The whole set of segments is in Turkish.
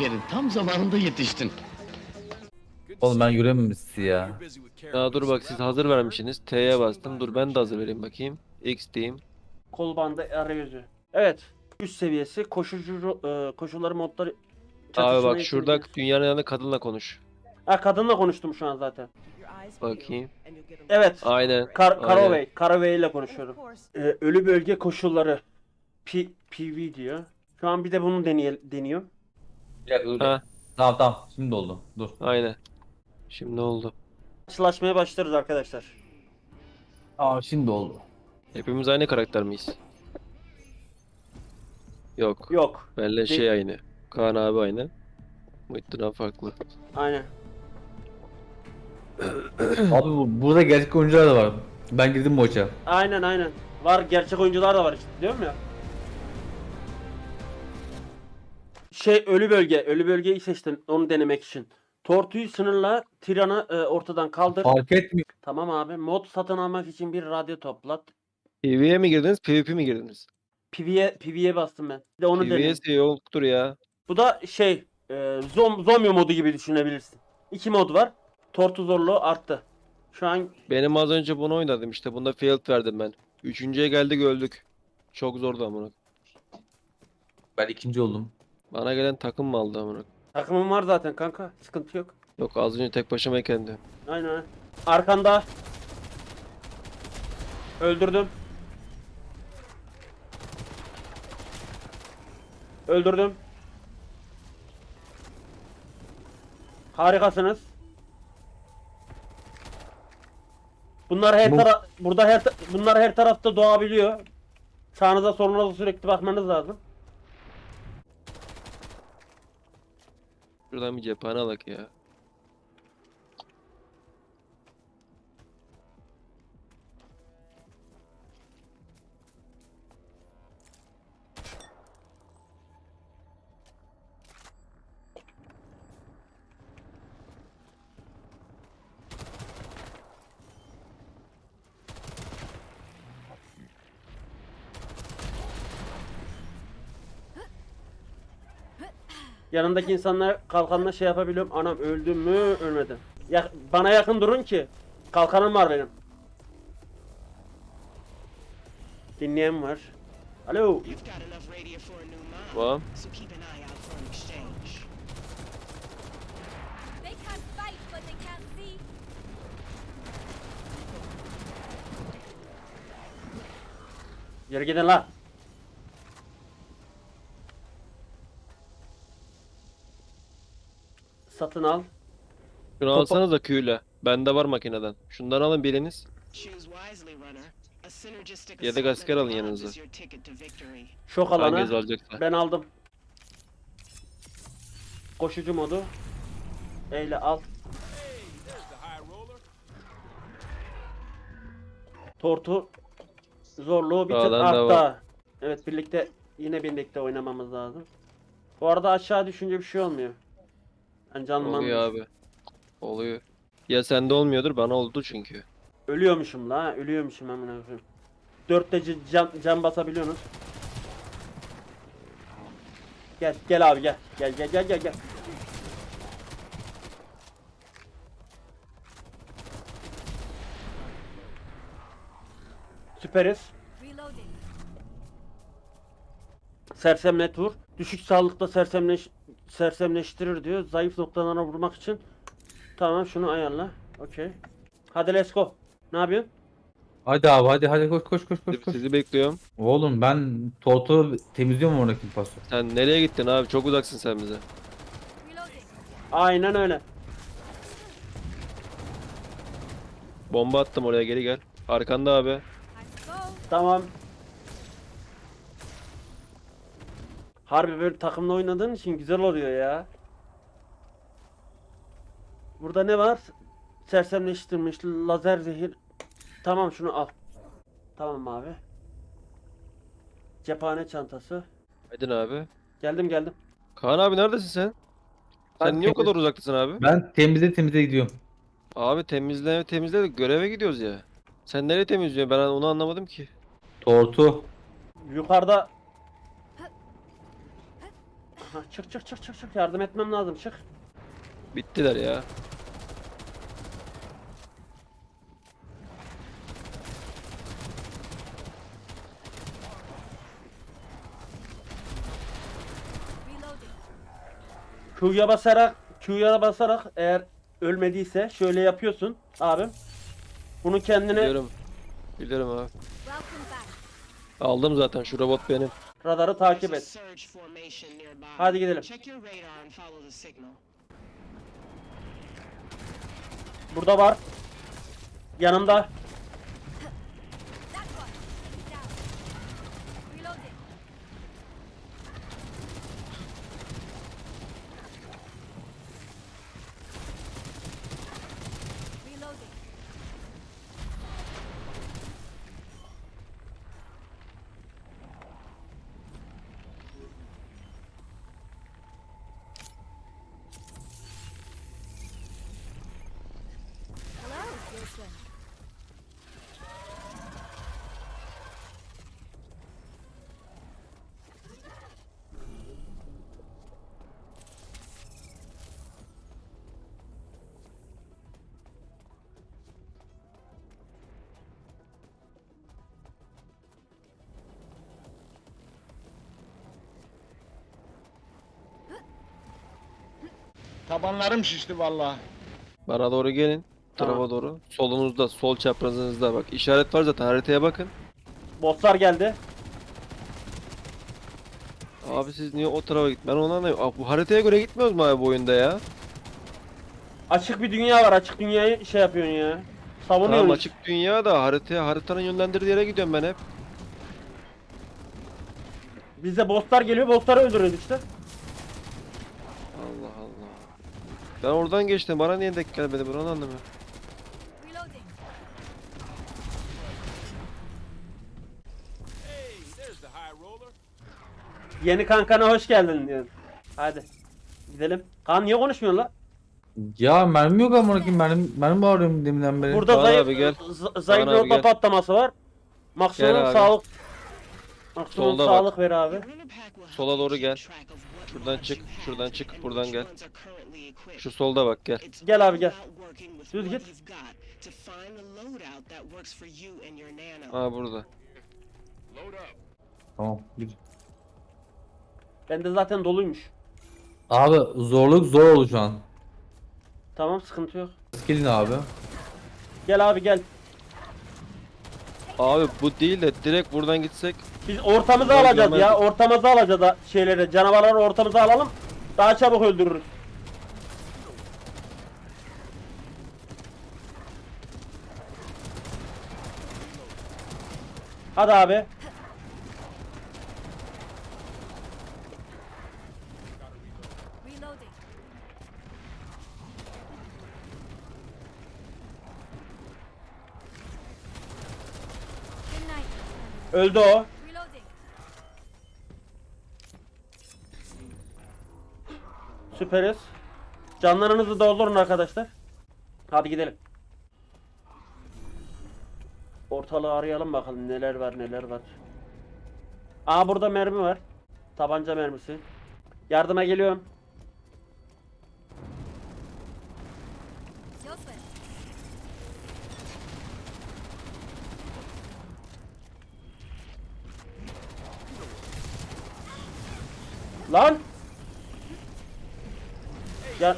Aferin, tam zamanında yetiştin. Oğlum ben görememişsin ya. Ya dur bak siz hazır vermişsiniz. T'ye bastım. Dur ben de hazır vereyim bakayım. X diyeyim. Kol bandı arayüzü. Evet. Üst seviyesi koşulları modları Abi çatışmayı bak şurada için. dünyanın yanında kadınla konuş. Ha, kadınla konuştum şu an zaten. Bakayım. Evet. Aynen. Caraway. Caraway ile konuşuyorum. Ölü bölge koşulları. PV diyor. Şu an bir de bunu deniyor. Bir dakika dur. Ha, Tamam şimdi oldu. Dur. aynen. Şimdi oldu. Karşılaşmaya başlarız arkadaşlar. Aa şimdi oldu. Hepimiz aynı karakter miyiz? Yok. Yok. Benle şey aynı. Kaan abi aynı. Muhittin abi farklı. Aynen. Abi burada gerçek oyuncular da var. Ben girdim maça. Aynen. Var, gerçek oyuncular da var işte, diyorum ya. Ölü bölge. Ölü bölgeyi seçtim onu denemek için. Tortuyu sınırla, tiranı ortadan kaldır. Fark etmiyor. Tamam abi. Mod satın almak için bir radyo toplat. PvE'ye mi girdiniz, PvP mi girdiniz? PvE'ye bastım ben. Bir de onu deneyim. PvE yoktur ya. Bu da zombi modu gibi düşünebilirsin. İki mod var. Tortu zorluğu arttı. Şu an Benim az önce bunu oynadım işte. Bunda failed verdim ben. Üçüncüye geldik öldük. Çok zordu amına. Ben ikinci oldum. Bana gelen takım mı aldı amına? takımım var zaten kanka. Sıkıntı yok. Yok az önce tek başımayken de. Aynen. Arkanda. Öldürdüm. Öldürdüm. Harikasınız. Bunlar bunlar her tarafta doğabiliyor. Sağınıza solunuza sürekli bakmanız lazım. Şuradan bir cephane alak ya. Yanındaki insanlar kalkanla şey yapabiliyorum. Anam öldüm mü ölmedim. Bana yakın durun ki. Kalkanım var benim. Dinleyen var. Alo. You've got enough radio for a new mom, Tamam. so keep an eye out for an exchange. They can't fight, but they can't see. Yürü gidin la. Satın al. Şunu alsanız da Q'yle. Bende var makineden. Şundan alın biriniz. Choose wisely, runner. A synergistic Ya da assault asker that alın bonds yanınıza. is your ticket to victory. Şok Hanginiz alanı. alacaksa. Ben aldım. Koşucu modu. Eyle al. Tortu zorluğu bir tık Sağdan da var. arttı. Evet, birlikte oynamamız lazım. Bu arada aşağı düşünce bir şey olmuyor. Yani canım Oluyor abi. Oluyor. Ya sende olmuyordur bana oldu çünkü. Ölüyormuşum la, ölüyormuşum amına koyayım. 4'te can basabiliyorsunuz. Gel abi gel. Gel. Süperiz. Reloading. Sersemlet vur. Düşük sağlıkta sersemleştirir diyor. Zayıf noktalarına vurmak için. Tamam, şunu ayarla. Okey. Hadi let's go. Ne yapıyorsun? Hadi abi hadi koş. Sizi bekliyorum. Oğlum ben tortu temizliyorum oradaki pası. Sen nereye gittin abi? Çok uzaksın sen bize. Reloading. Aynen öyle. Bomba attım oraya geri gel. Arkanda abi. Let's go. Tamam. Harbi böyle takımla oynadığın için güzel oluyor ya. Burada ne var? Sersemleştirmiş lazer zehir. Tamam, şunu al. Tamam abi. Cephane çantası. Aydın abi. Geldim. Kaan abi neredesin sen? Ben Sen niye o kadar uzaktasın abi? Ben temizle gidiyorum. Abi temizle de göreve gidiyoruz ya. Sen nereye temizliyorsun? Ben onu anlamadım ki. Tortu. Yukarıda Aha, çık çık çık çık çık. Yardım etmem lazım, çık. Bittiler ya. Reloading. Q'ya basarak eğer ölmediyse şöyle yapıyorsun abim. Bunu kendine Biliyorum. Biliyorum abi. Welcome back. Aldım zaten, şu robot benim. radarı takip There's a et. surge formation nearby. Hadi gidelim. Check your radar and follow the signal. Burada var. Yanımda. That one. Enemy down. Reloading. Reloading. Hello, Wilson. Tabanlarım şişti vallahi. Bana doğru gelin. Tamam. Tarafa doğru. Solunuzda, sol çaprazınızda bak. İşaret var zaten, haritaya bakın. Bosslar geldi. Abi siz niye o tarafa git? Ben onu anlamıyorum. Abi bu haritaya göre gitmiyoruz mu abi bu oyunda ya? Açık bir dünya var. Açık dünyayı şey yapıyorsun ya. Savunuyorsun. Tamam, açık dünya da haritanın yönlendirdiği yere gidiyorum ben hep. Bize bosslar geliyor. Bossları öldürüyoruz işte. Allah Allah. Ben oradan geçtim. Bana niye denk gelmedi? Ben onu anlamıyorum. Reloading. Yeni kankana hoş geldin diyor. Hadi. Gidelim. Kaan niye konuşmuyorsun la? Ya mermi yok amına koyayım, mermi bağırıyorum deminden beri. Burada Kaan zayıf abi gel. zayıf Kaan abi nokta gel. patlaması var. Maksimum Gel abi. sağlık. Maksimum Solda bak. sağlık ver abi. Your runner pack will help Sola you doğru keep gel. track of what Şuradan mods çık, you have şuradan çık, and buradan which gel. ones are currently equipped. Şu solda bak, gel. It's Gel all abi, gel. about working with Düz what git. you've got to find the loadout that works for you and your nano. Aa, burada. Tamam gir. Bende zaten doluymuş. Abi zorluk zor oldu şu an. Tamam, sıkıntı yok. Gelin abi. Gel abi gel. Abi bu değil de direkt buradan gitsek. Biz ortamızı Ben alacağız ya. görmezdim. Ortamızı alacağız da şeyleri, canavarları ortamıza alalım. Daha çabuk öldürürüz. Hadi abi. Reloading. Good night. Öldü o. Reloading. Süperiz. Canlarınızı doldurun arkadaşlar. Hadi gidelim. Ortalığı arayalım bakalım neler var neler var. Aa, burada mermi var. Tabanca mermisi. Yardıma geliyorum. Your turn. Lan! Ya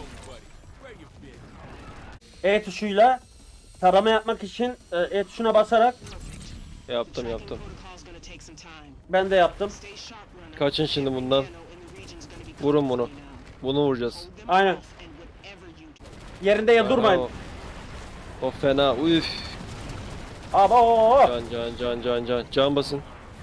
E tuşuyla tarama yapmak için E tuşuna basarak Yaptım yaptım. Protocol's gonna take some time. ben de yaptım. Stay sharp, runner. Kaçın şimdi bundan. Nano in the region's gonna be Vurun coming bunu. for you now. Bunu vuracağız. Hold them Aynen. off and whatever you do. Yerinde ya durmayın. O fena. Üf. Abo! Can. Can basın.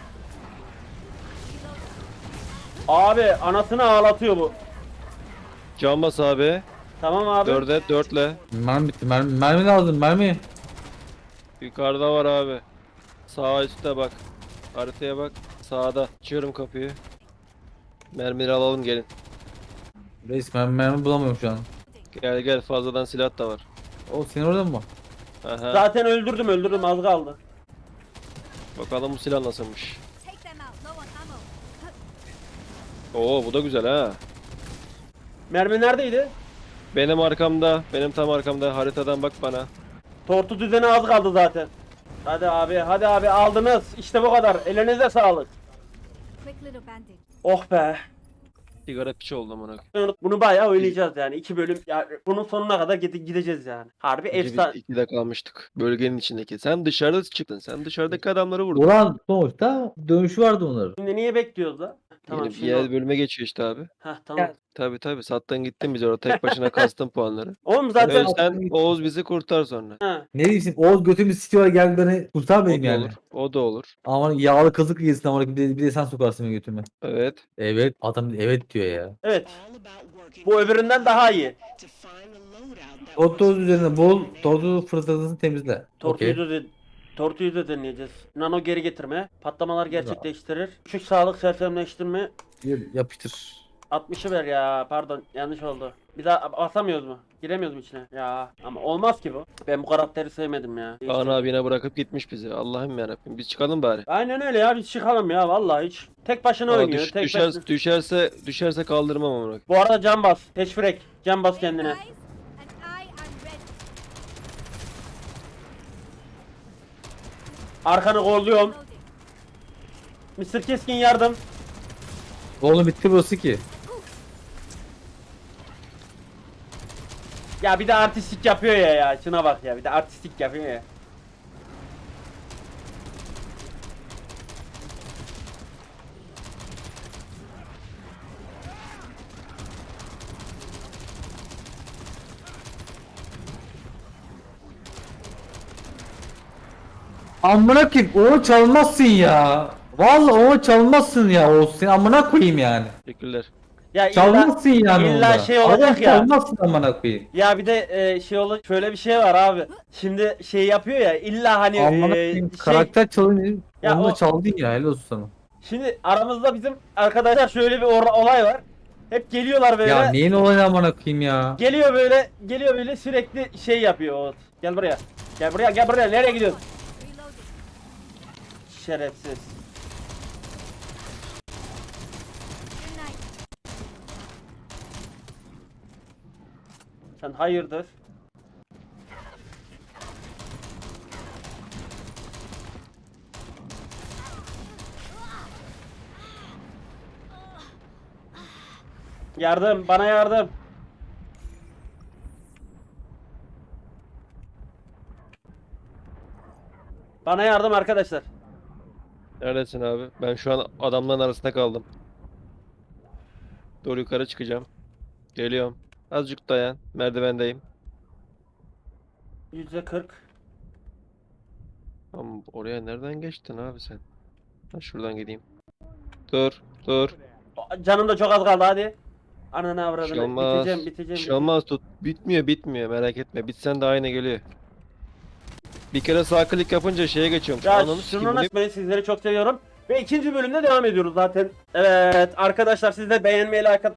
Abi anasını ağlatıyor bu. Can bas abi. Tamam abi. Dörtle. Mermi bitti, mermi lazım, mermi. Yukarıda var abi. Sağ üstte bak. Haritaya bak. Sağda. Açıyorum kapıyı. Mermileri alalım, gelin. Reis mermi bulamıyorum şu an. Gel fazladan silah da var. O senin orada mı? Aha. Zaten öldürdüm az kaldı. Bakalım bu silah nasılmış. Take them out. Low on ammo. Oo bu da güzel ha. Mermi neredeydi? Benim arkamda, benim tam arkamda. Haritadan bak bana. Tortu düzeni az kaldı zaten. Hadi abi aldınız. İşte bu kadar. Elinize sağlık. Quick little bandage. Oh be. Sigara piçi oldum ona. Bunu bayağı oynayacağız yani. 2 bölüm. Ya bunun sonuna kadar gideceğiz yani. Harbi efsane. 2'de kalmıştık. Bölgenin içindeki. Sen dışarıda çıktın. Sen dışarıdaki adamları vurdun. Ulan sonuçta dönüşü vardı onların. Şimdi niye bekliyoruz da? Tamam Yeni bir şimdi. yer bölüme geçiyor işte abi. Heh tamam. Tabi sattın gittin biz orada tek başına kastın puanları. Oğlum zaten Sen Oğuz bizi kurtar sonra. ha. Ne diyeyim Oğuz götümü sikiyor gel beni kurtar O benim da yani. olur. O da olur. Aman yağlı kazık yesin ama bir de sen sokarsın benim götüme. Evet. Evet adam evet diyor ya. Evet. All about working Bu öbüründen daha iyi. to find a loadout that Tortoz works üzerine for bol, you and tortoz fırtınasını temizle. Tortuyu Okey. da Tortuyu da deneyeceğiz. Nano geri getirme. Patlamalar gerçekleştirir. Küçük sağlık sersemleştirme. Yapıştır. 60'ı ver ya. Pardon yanlış oldu. Bir daha basamıyoruz mu? Giremiyoruz mu içine? Ya ama olmaz ki bu. Ben bu karakteri sevmedim ya. Kaan abine bırakıp gitmiş bizi. Allah'ım yarabbim. Biz çıkalım bari. Aynen öyle ya biz çıkalım ya vallahi hiç. Tek başına Aa, oynuyor. Tek başına. düşerse kaldırmam amına. Bu arada can bas. Teşfirek. Can bas kendine. Guys, and I am ready. Arkanı kolluyorum. Reloading. Mr. Keskin yardım. Oğlum bitti burası ki. Ya bir de artistik yapıyor ya. Şuna bak ya. Bir de artistik yapıyor ya. Amına koyayım onu çalmazsın ya. Vallahi onu çalmazsın ya Oğuz sen amına koyayım yani. Teşekkürler. Ya illa, Çalmazsın yani illa onda. şey olacak Adam ya. çalmazsın amına koyayım. Ya bir de şey olur şöyle bir şey var abi. Şimdi şey yapıyor ya illa hani Amına koyayım şey karakter çalınca Ya onu da o- çaldın ya helal olsun sana. şimdi aramızda bizim arkadaşlar şöyle bir olay var. Hep geliyorlar böyle. Ya neyin olayını amına koyayım ya. Geliyor böyle sürekli şey yapıyor o. Gel buraya. Gel buraya. Nereye gidiyorsun? Reloading. Şerefsiz. Good night. Sen hayırdır? Yardım, bana yardım. Bana yardım arkadaşlar. Neredesin abi? Ben şu an adamların arasında kaldım. Doğru yukarı çıkacağım. Geliyorum. Azıcık dayan. Merdivendeyim. %40. Ama oraya nereden geçtin abi sen? Ha, şuradan gideyim. Dur. Canım da çok az kaldı hadi. Ananı Bir avradını. şey olmaz. Biteceğim. Bir şey olmaz tut. Bitmiyor merak etme. Bitsen de aynı geliyor. Bir kere sağ klik yapınca şeye geçiyorum. Ya Ananı şunu sikeyim, bu ne- nasıl ben sizleri çok seviyorum. Ve ikinci bölümde devam ediyoruz zaten. Evet arkadaşlar siz de beğenmeyi, like